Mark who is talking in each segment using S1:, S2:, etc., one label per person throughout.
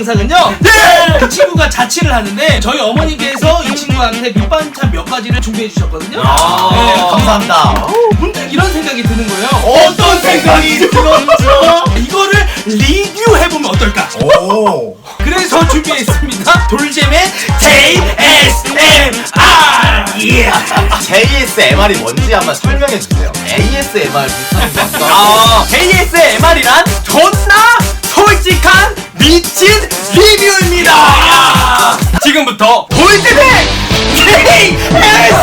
S1: 영상은요. 그 친구가 자취를 하는데 저희 어머니께서 이 친구한테 밑반찬 몇 가지를 준비해 주셨거든요.
S2: 감사합니다.
S1: 문득 이런 생각이 드는 거예요.
S2: 어떤 생각이 들었죠?
S1: 이거를 리뷰해보면 어떨까?
S2: 오.
S1: 그래서 준비했습니다. 돌잼의 JSMR.
S2: JSMR이 뭔지 한번 설명해 주세요. ASMR 비슷한 거.
S1: JSMR이란 존나 솔직한 미친 리뷰입니다. 지금부터 돌잼의 JSMR을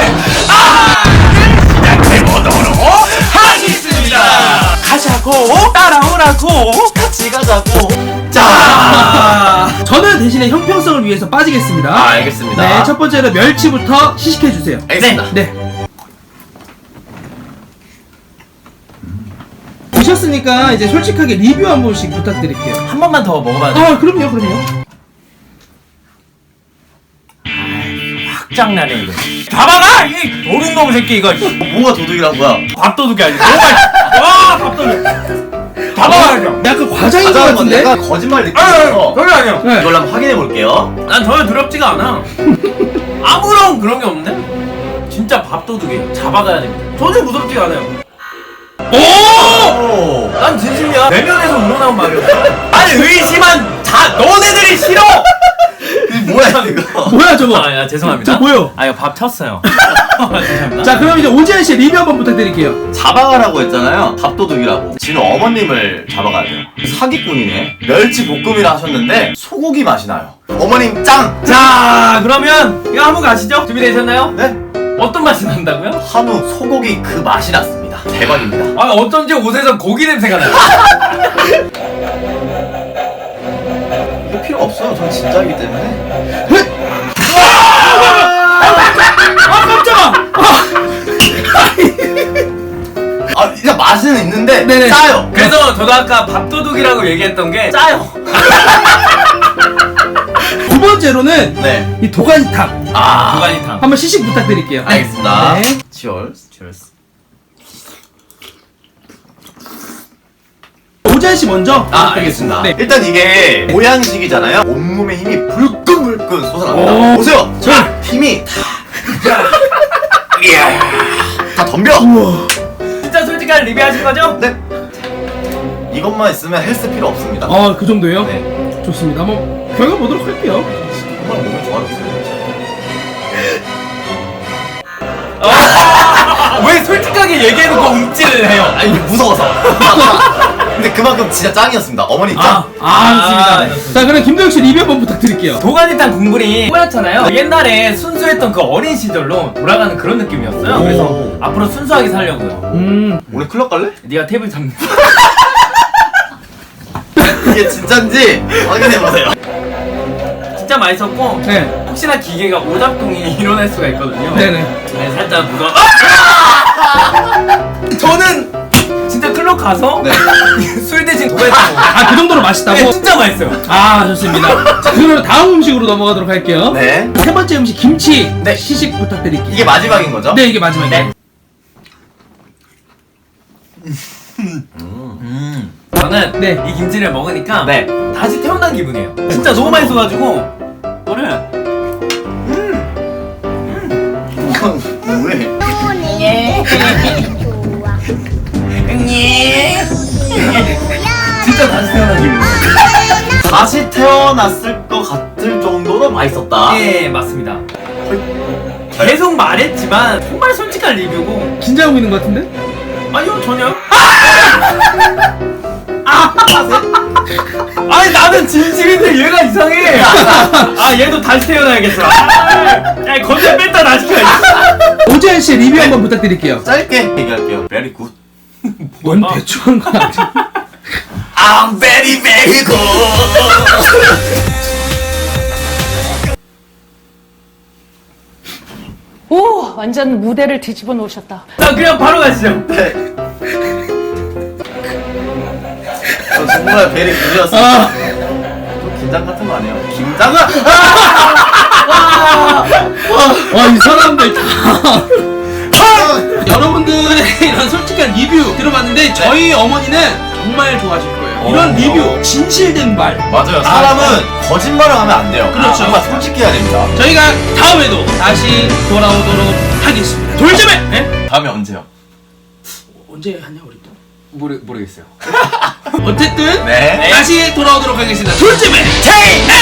S1: 시작해보도록 하겠습니다. 가자고 따라오라고
S2: 같이 가자고.
S1: 자, 저는 대신에 형평성을 위해서 빠지겠습니다.
S2: 알겠습니다.
S1: 네, 첫 번째로 멸치부터 시식해 주세요.
S2: 알겠습니다.
S1: 네. 보셨으니까 이제 솔직하게 리뷰 한 번씩 부탁드릴게요.
S3: 한 번만 더 먹어봐도 돼?
S1: 아, 그럼요.
S3: 확장나네 이거. 잡아가! 이 노른놈 새끼 이거.
S2: 뭐가 도둑이란 거야?
S3: 밥도둑이 아니고 너무 맛있어. 와 밥도둑. 잡아가야죠.
S1: 약간 과장인 것
S2: 가자는 건데
S1: 같은데?
S2: 약간 거짓말 느낌이어서
S3: 그게 아니야.
S1: 네.
S2: 이걸 한번 확인해 볼게요.
S3: 난 전혀 두렵지가 않아. 아무런 그런 게 없네. 진짜 밥도둑이에요. 잡아가야 됩니다. 전혀 무섭지가 않아요.
S2: 오!
S3: 난 진심이야. 내면에서 우러나온 말이었어. 아니 의심한 너네들이 싫어.
S2: 이게 뭐야 이거?
S1: 뭐야 저거?
S3: 아, 죄송합니다.
S1: 저 뭐요?
S3: 아 이거 밥 쳤어요. 죄송합니다.
S1: 자, 그럼 이제 오지현 씨 리뷰 한번 부탁드릴게요.
S2: 잡아가라고 했잖아요. 밥도둑이라고. 진우 어머님을 잡아가야 돼요. 사기꾼이네. 멸치 볶음이라 하셨는데 소고기 맛이 나요. 어머님 짱!
S3: 자 그러면 이거 한번 가시죠. 준비되셨나요?
S2: 네?
S3: 어떤 맛이 난다고요?
S2: 한우 소고기 그 맛이 났습니다. 대박입니다.
S3: 아 어쩐지 옷에서 고기 냄새가 나요.
S2: 이거 필요 없어요. 전 진짜이기 때문에.
S1: 아, 깜짝아!
S2: 아, 일단 맛은 있는데
S1: 네네.
S2: 짜요.
S3: 그래서 저도 아까 밥도둑이라고 얘기했던 게 짜요.
S1: 두 번째로는
S2: 네.
S1: 이 도가니탕
S3: 도가니탕.
S1: 한번 시식 부탁드릴게요.
S2: 알겠습니다.
S1: 네.
S2: 치얼스.
S1: 오지현 씨 먼저.
S2: 알겠습니다.
S1: 네.
S2: 일단 이게 모양식이잖아요. 온몸에 힘이 불끈불끈 솟아납니다.
S1: 오.
S2: 보세요.
S1: 자.
S2: 힘이 다 덤벼.
S1: 우와.
S3: 진짜 솔직한 리뷰하신 거죠?
S2: 네. 이것만 있으면 헬스 필요 없습니다.
S1: 아, 그 정도예요?
S2: 네.
S1: 좋습니다. 한번 결과 보도록 할게요.
S2: 정말 몸이 좋아졌어요.
S3: 왜 솔직하게 얘기해놓고 움찔을 해요?
S2: 아, 이게 무서워서. 근데 그만큼 진짜 짱이었습니다. 어머니 짱.
S1: 좋습니다. 자, 그럼 김도영 씨 리뷰 한번 부탁드릴게요.
S3: 도가니탕 국물이 뽀얗잖아요. 옛날에 순수했던 그 어린 시절로 돌아가는 그런 느낌이었어요.
S2: 오.
S3: 그래서 앞으로 순수하게 살려고요.
S2: 오늘 클럽 갈래?
S3: 네가 탭을 잡는.
S2: 이게 진짠지 확인해보세요.
S3: 진짜 맛있었고
S1: 네.
S3: 혹시나 기계가 오작동이 일어날 수가 있거든요.
S1: 네네.
S3: 네, 살짝 무서워. 저는 진짜 클럽 가서 술 대신 도가니탕 먹어요.
S1: 아, 그 정도로 맛있다고?
S3: 네, 진짜 맛있어요.
S1: 아, 좋습니다. 자, 그러면 다음 음식으로 넘어가도록 할게요.
S2: 네.
S1: 세 번째 음식 김치.
S2: 네.
S1: 시식 부탁드릴게요.
S2: 이게 마지막인 거죠?
S1: 네, 이게 마지막이에요.
S3: 저는
S1: 네.
S3: 이 김치를 먹으니까
S2: 네.
S3: 다시 태어난 기분이에요. 진짜 너무 맛있어가지고 이거를
S2: 왜?
S3: 진짜 다시 태어난 기분.
S2: 다시 태어났을 것 같을 정도로 맛있었다.
S3: 예, 맞습니다. 계속 말했지만 정말 솔직한 리뷰고
S1: 긴장하고 있는 것 같은데?
S3: 아니요 전혀. 아니 나는 진심인데 얘가 이상해. 아 얘도 다시 태어나야겠어. 야 건전 뺐다 다시 켜.
S1: 오지현 씨 리뷰 한번 부탁드릴게요.
S2: 짧게 얘기할게요. Very good.
S1: 뭔 대충 한 거야.
S2: I'm very very good.
S4: 오, 완전 무대를 뒤집어 놓으셨다.
S3: 자 그냥 바로 가시죠.
S2: 네. 저 정말 very good이었습니다. 또 긴장 같은 거 아니에요? 김장은?
S1: 와, 이 사람들 다. 여러분들의 이런 솔직한 리뷰 들어봤는데 저희 어머니는 정말 좋아하실 거예요. 이런 리뷰, 진실된 말.
S2: 맞아요. 사람은 거짓말을 하면 안 돼요.
S1: 그렇죠.
S2: 정말 솔직해야 됩니다.
S1: 저희가 다음에도 다시 돌아오도록 하겠습니다. 돌점에! 네?
S2: 다음에 언제요?
S1: 언제 하냐 우리 또?
S5: 모르겠어요.
S1: 어쨌든
S2: 네.
S1: 다시 돌아오도록 하겠습니다. 돌점에 K!